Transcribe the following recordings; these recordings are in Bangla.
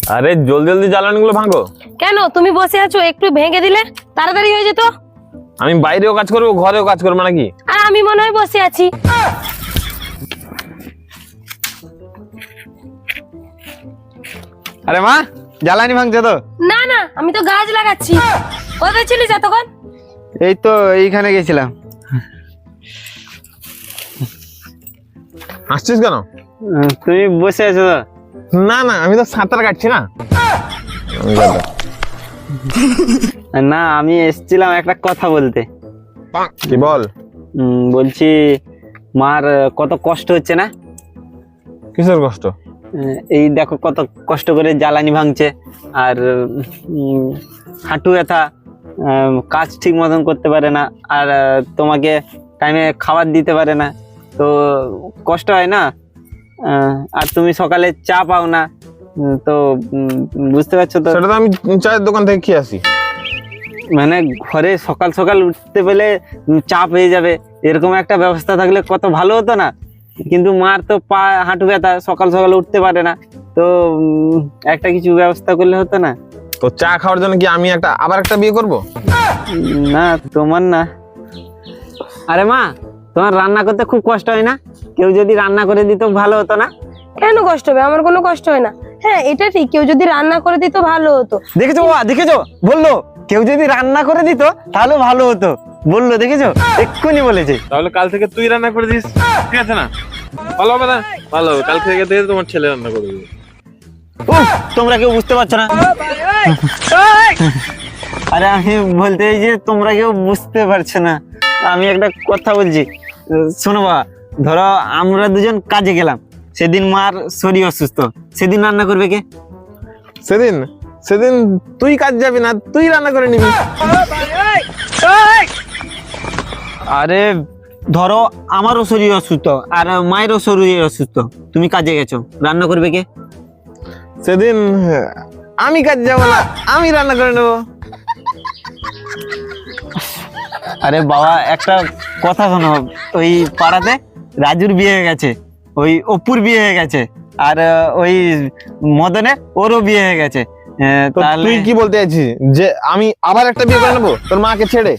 আরে জলদি জলদি জ্বালানিগুলো ভাঙো। কেন তুমি বসে আছো, একটু ভেঙে দিলে তাড়াতাড়ি হয়ে যেত। আমি বাইরেও কাজ করবো ঘরেও কাজ করবো নাকি? আর আমি মনে হয় বসে আছি। আরে মা, জ্বালানি ভাঙছে তো? না না, আমি তো গাছ লাগাচ্ছি। কোথায় ছিলিস এতক্ষণ? এই তো এইখানে গেছিলাম। আসছিস কেন? তুমি বসে আছো তো? না না, আমি তো সাঁতার কাটছি না। না, আমি এসেছিলাম একটা কথা বলতে। কি বল? বলছি মার কত কষ্ট হচ্ছে না? কিসের কষ্ট? এই দেখো কত কষ্ট করে জ্বালানি ভাঙছে, আর হাঁটু ব্যথা, কাজ ঠিক মতন করতে পারে না, আর তোমাকে টাইমে খাবার দিতে পারে না, তো কষ্ট হয় না? আর তুমি সকালে চা পাও না, তো বুঝতে পারছো তো? সেটা তো আমি চায়ের দোকান থেকে খেয়ে আসি। মানে ঘরে সকাল সকাল উঠতে পেলে চা পেয়ে যাবে, এরকম একটা ব্যবস্থা থাকলে কত ভালো হতো না? কিন্তু মার তো পা হাঁটু ব্যথা, সকাল সকাল উঠতে পারে না, তো একটা কিছু ব্যবস্থা করলে হতো না? তো চা খাওয়ার জন্য কি আমি আবার একটা বিয়ে করব? না, তোমার না। আরে মা, তোমার রান্না করতে খুব কষ্ট হয় না? কেউ যদি রান্না করে দিত ভালো হতো না? কেন কষ্ট হবে? আমার কোনো কষ্ট হয় না। হ্যাঁ, এটা ঠিক, কেউ যদি রান্না করে দিত ভালো হতো। দেখেছো বাবা, দেখেছো? বললো কেউ যদি রান্না করে দিত তাহলে ভালো হতো, বললো, দেখেছো? এক্ষুনি বলেছে। তাহলে কাল থেকে তুই রান্না করে দিস, ঠিক আছে না? ভালো হবে না? ভালো হবে, কাল থেকে দেখে তোমার ছেলে রান্না করে দিবে। তোমরা কেউ বুঝতে পারছো না? আরে আমি বলতে এই যে তোমরা কেউ বুঝতে পারছো না। আমি একটা কথা বলছি, শোনো বাবা। ধরো আমরা দুজন কাজে গেলাম, সেদিন মার শরীর অসুস্থ, সেদিন রান্না করবে কে? সেদিন সেদিন তুই কাজ যাবি না, তুই রান্না করে নিবি। আরে ধরো আমারও শরীর অসুস্থ আর মায়েরও শরীর অসুস্থ, তুমি কাজে গেছো, রান্না করবে কে? সেদিন আমি কাজ যাবো না, আমি রান্না করে নেবো। আরে বাবা, একটা কথা শোনো, ওই পাড়াতে রাজুর বিয়ে হয়ে গেছে, ওই অপুর বিয়ে হয়ে গেছে, আর ওই মদনের ওরও বিয়ে হয়ে গেছে। তো তাহলে তুই কি বলতে চাইছিস যে আমি আবার একটা বিয়ে করে নেবো তোর মাকে ছেড়ে?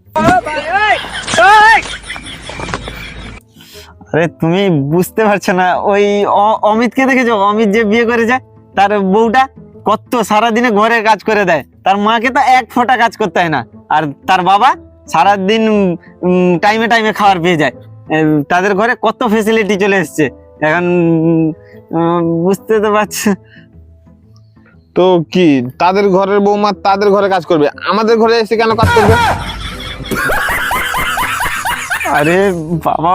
আরে তুমি বুঝতে পারছো না, ওই অমিতকে দেখেছো? অমিত যে বিয়ে করেছে, তার বউটা কত সারাদিনে ঘরের কাজ করে দেয়, তার মাকে তো এক ফোঁটা কাজ করতে হয় না, আর তার বাবা সারাদিন টাইমে টাইমে খাবার পেয়ে যায়। তাদের ঘরে কত ফেসিলিটি চলে এসছে এখন, বুঝতে তো পারছো? তো কি তাদের ঘরের বৌমা তাদের ঘরে কাজ করবে, আমাদের ঘরে এসে কেন কাজ করবে? আরে বাবা,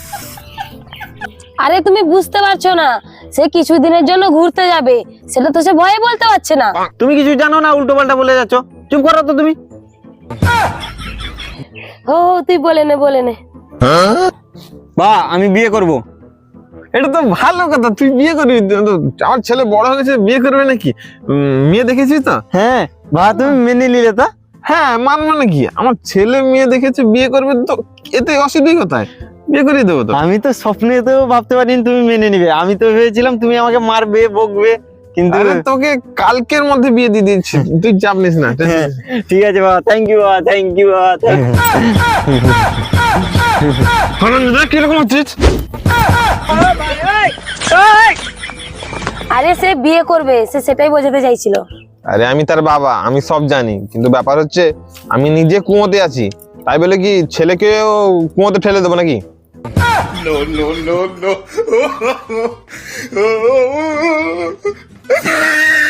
আরে তুমি বুঝতে পারছো না, সে কিছুদিনের জন্য ঘুরতে যাবে, সেটা তো সে ভয়ে বলতে পারছে না। তুমি কিছু জানো না, উল্টো পাল্টা বলে যাচ্ছ, চুপ করো তো তুমি। ও তুই বলে নে, বলে নে। বা আমি বিয়ে করব। এটা তো ভালো কথা, তুই বিয়ে করবি। আমার ছেলে বড় হয়ে গেছে, বিয়ে করবে নাকি? মেয়ে দেখেছিস তো? হ্যাঁ বা, তুমি মেনে নিলে তো? হ্যাঁ, মানবো নাকি? আমার ছেলে মেয়ে দেখেছে, বিয়ে করবে, তো এতে অসুবিধা কোথায়? বিয়ে করে দেবো তো। আমি তো স্বপ্নেতেও ভাবতে পারিনি তুমি মেনে নিবে। আমি তো ভেবেছিলাম তুমি আমাকে মারবে, বকবে, কিন্তু আরে তোকে কালকের মধ্যে বিয়ে দিয়ে দিচ্ছি, তুই চাপ নিস না। ঠিক আছে বাবা, থ্যাংক ইউ বাবা, থ্যাংক ইউ বাবা। কিরকম হচ্ছিস? আরে সে বিয়ে করবে, সে সেটাই বোঝাতে চাইছিল। আরে আমি তার বাবা, আমি সব জানি, কিন্তু ব্যাপার হচ্ছে আমি নিজে কুয়োতে আছি, তাই বলে কি ছেলেকেও কুয়োতে ঠেলে দেবো নাকি? No, no, no, no.